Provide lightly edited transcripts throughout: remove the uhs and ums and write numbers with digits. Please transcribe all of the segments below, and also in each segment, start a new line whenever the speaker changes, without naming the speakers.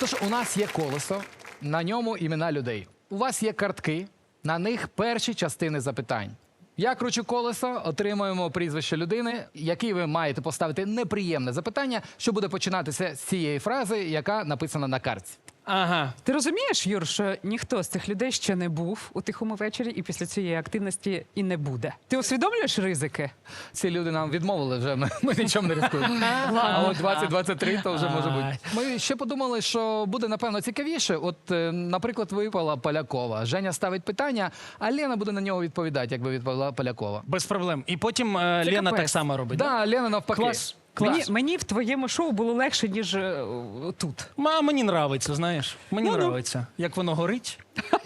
Тож у нас є колесо, на ньому імена людей. У вас є картки, на них перші частини запитань. Я кручу колесо, отримуємо прізвище людини, якій ви маєте поставити неприємне запитання, що буде починатися з цієї фрази, яка написана на картці.
Ага.
Ти розумієш, Юр, що ніхто з цих людей ще не був у тихому вечорі і після цієї активності і не буде. Ти усвідомлюєш ризики?
Ці люди нам відмовили вже, ми нічим не ризикуємо. А от 2023 то вже може бути. Ми ще подумали, що буде, напевно, цікавіше. От, наприклад, випала Полякова. Женя ставить питання, а Лена буде на нього відповідати, якби відповіла Полякова.
Без проблем. І потім Лена
капець.
так само робить.
Да, Лена навпаки.
Клас.
Мені в твоєму шоу було легше, ніж тут.
Мені нравиться, знаєш. Мені нравиться. Як воно горить.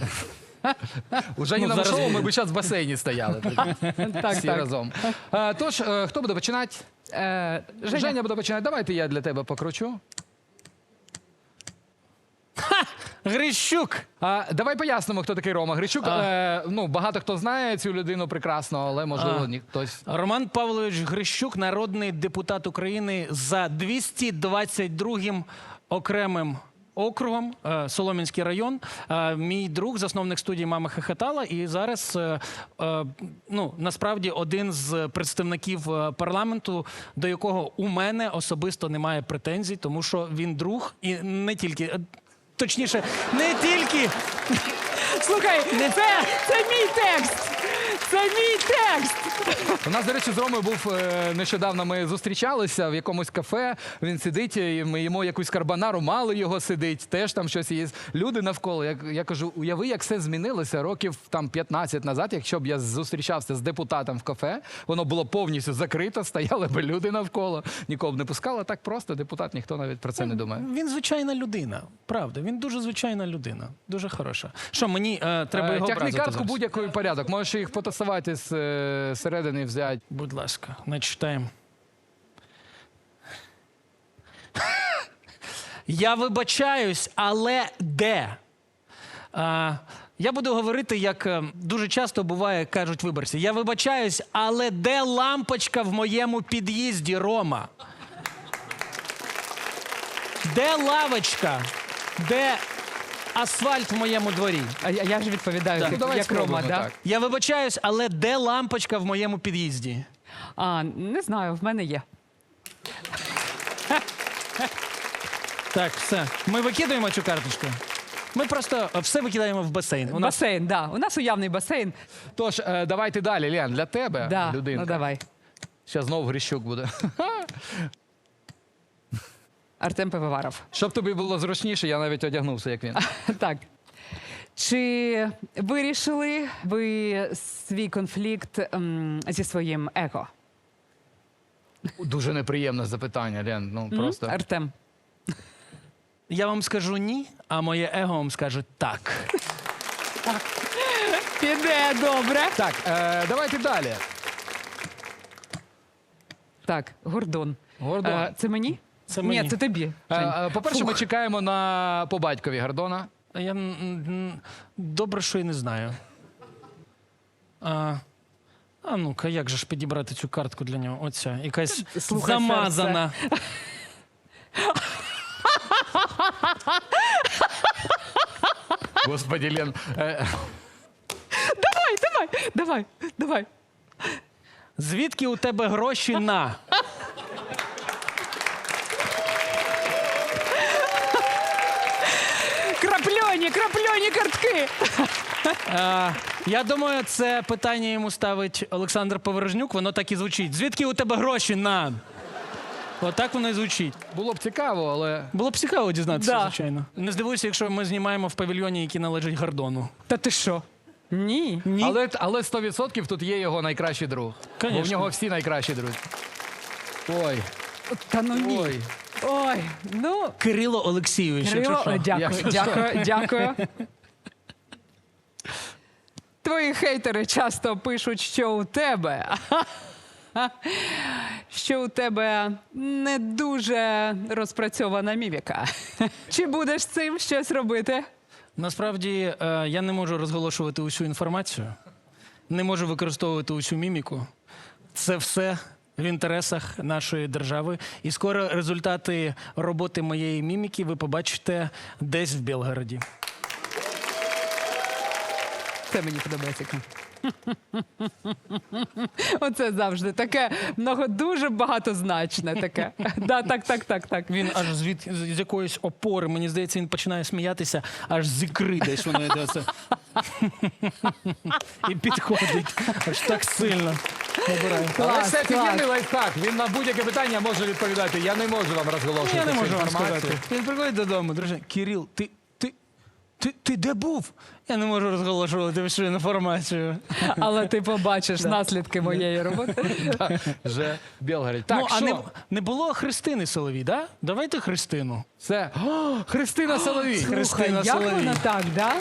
У Женіному
зараз-
шоу ми б зараз в басейні стояли.
Так,
Всі
так.
разом. Тож, хто буде починати? Женя буде починати. Давайте я для тебе покручу.
Грищук.
Давай пояснимо, хто такий Рома Грищук. Багато хто знає цю людину прекрасно, але, можливо, хтось...
Роман Павлович Грищук, народний депутат України за 222-м окремим округом, Солом'янський район. Мій друг, засновник студії «Мама хохотала», і зараз, насправді, один з представників парламенту, до якого у мене особисто немає претензій, тому що він друг і не тільки... Точніше, не тільки...
Слухай, це мій текст! Це мій текст!
У нас, до речі, з Ромою був нещодавно, ми зустрічалися в якомусь кафе, він сидить, і ми їмо якусь карбонару, мало його сидить, теж там щось є. Люди навколо. Я кажу, уяви, як все змінилося років там 15 назад, якщо б я зустрічався з депутатом в кафе, воно було повністю закрито, стояли б люди навколо, нікого б не пускали, так просто депутат, ніхто навіть про це не думає.
Він звичайна людина, правда. Він дуже звичайна людина, дуже хороша. Що, мені треба його
Тягни
образити
картку
зараз?
будь-який порядок, можеш їх потасувати з середини взяти.
Будь ласка, начитаємо. Я вибачаюсь, але де? Я буду говорити, як дуже часто буває, кажуть виборці. Я вибачаюсь, але де лампочка в моєму під'їзді, Рома? Де лавочка? Де асфальт в моєму дворі?
А я ж відповідаю,
Так.
Ну, давай
як Рома,
спробуємо,
да?
так.
Я вибачаюсь, але де лампочка в моєму під'їзді?
Не знаю, в мене є.
Так, все. Ми викидаємо цю карточку. Ми просто все викидаємо в басейн. У нас
Басейн, да. У нас уявний басейн.
Тож, давайте далі, Лен, для тебе,
Да.
людинка.
Ну давай.
Зараз знову Грищук буде.
Артем Пивоваров.
Щоб тобі було зручніше, я навіть одягнувся, як він.
Так. Чи вирішили ви свій конфлікт зі своїм его?
Дуже неприємне запитання, Лен. Ну, просто.
Артем.
Я вам скажу ні, а моє его вам скаже так.
Піде добре.
Так, давайте далі.
Так, Гордон.
Гордон.
Це мені?
Це мені.
Ні, це тобі. Жень.
По-перше, ми чекаємо по батькові Гордона.
Я добре, що і не знаю. А ну-ка, як же ж підібрати цю картку для нього? Оця, якась
Слухай,
замазана.
Господи, Лен.
Давай.
Звідки у тебе гроші на?
Крапльоні картки.
Я думаю, це питання йому ставить Олександр Поворожнюк. Воно так і звучить. Звідки у тебе гроші на? Отак воно і звучить.
Було б цікаво, але...
Було б цікаво дізнатися,
Да.
звичайно. Не здивуйся, якщо ми знімаємо в павільйоні, який належить Гордону.
Та ти що? Ні.
Ні.
Але 100% тут є його найкращий друг. Бо в
Конечно.
нього всі найкращі друзі. Ой,
Та ну ні.
ой.
Ой, ну...
Кирило Олексійович,
Кирило,
якщо що.
дякую. Твої хейтери часто пишуть, що у тебе не дуже розпрацьована міміка. Чи будеш з цим щось робити?
Насправді, я не можу розголошувати усю інформацію, не можу використовувати усю міміку. Це все в інтересах нашої держави. І скоро результати роботи моєї міміки ви побачите десь в Білгороді.
Це мені подобається. Оце завжди таке дуже багатозначне таке. Да, так.
Він аж з якоїсь опори, мені здається, він починає сміятися, аж з ікри десь воно йде. Оце. І підходить аж так сильно. Набирає.
Але це
клас.
офігенний лайфхак. Він на будь-яке питання може відповідати. Я не можу вам розголошувати
Я не
цю
можу вам
інформацію.
сказати. Він приходить додому, друже, Кирил, ти де був? Я не можу розголошувати всю інформацію.
Але ти побачиш наслідки моєї роботи.
Вже в Білгороді. Так,
Ну, а
що?
не було Христини Соловій, да? Давайте Христину.
Це Христина Соловій.
Христина
Слухай, як
Соловій.
вона так, да?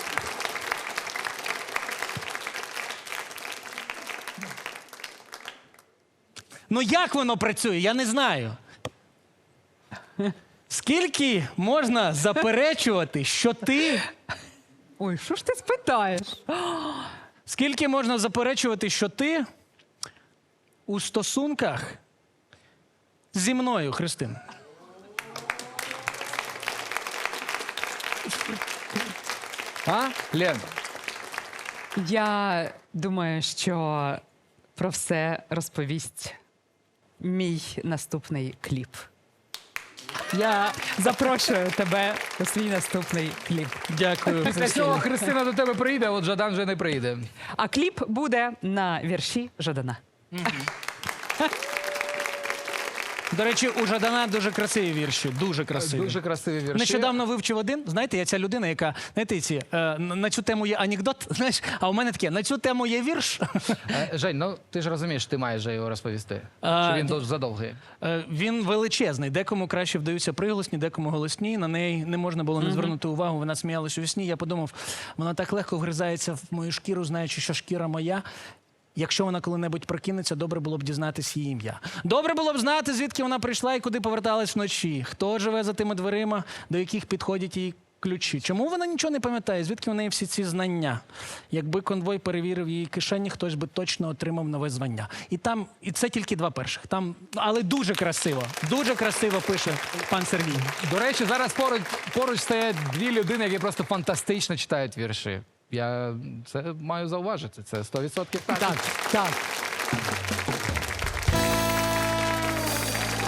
Ну як воно працює, я не знаю. Скільки можна заперечувати, що ти...
Ой, що ж ти спитаєш?
Скільки можна заперечувати, що ти у стосунках зі мною, Христина?
А? Лен,
Я думаю, що про все розповість мій наступний кліп. Я запрошую тебе у свій наступний кліп.
Дякую.
після цього Христина до тебе прийде, от Жадан вже не прийде.
А кліп буде на вірші Жадана.
До речі, у Жадана дуже красиві вірші. Дуже красиві.
Дуже красиві вірші.
Нещодавно вивчив один. Знаєте, я ця людина, яка, знаєте, на цю тему є анекдот, знаєш, а у мене таке, на цю тему є вірш.
Жень, ну ти ж розумієш, ти маєш же його розповісти.
А,
Що він дуже задовгий.
Він величезний. Декому краще вдаються приголосні, декому голосні. На неї не можна було не звернути увагу. Вона сміялась у вісні. Я подумав, вона так легко вгризається в мою шкіру, знаючи, що шкіра моя. Якщо вона коли-небудь прокинеться, добре було б дізнатись її ім'я. Добре було б знати, звідки вона прийшла і куди поверталась вночі. Хто живе за тими дверима, до яких підходять її ключі. Чому вона нічого не пам'ятає? Звідки в неї всі ці знання? Якби конвой перевірив її кишені, хтось би точно отримав нове звання. І це тільки два перших. Але дуже красиво пише пан Сергій.
До речі, зараз поруч стоять дві людини, які просто фантастично читають вірші. Я це маю зауважити. Це 100% так.
Так.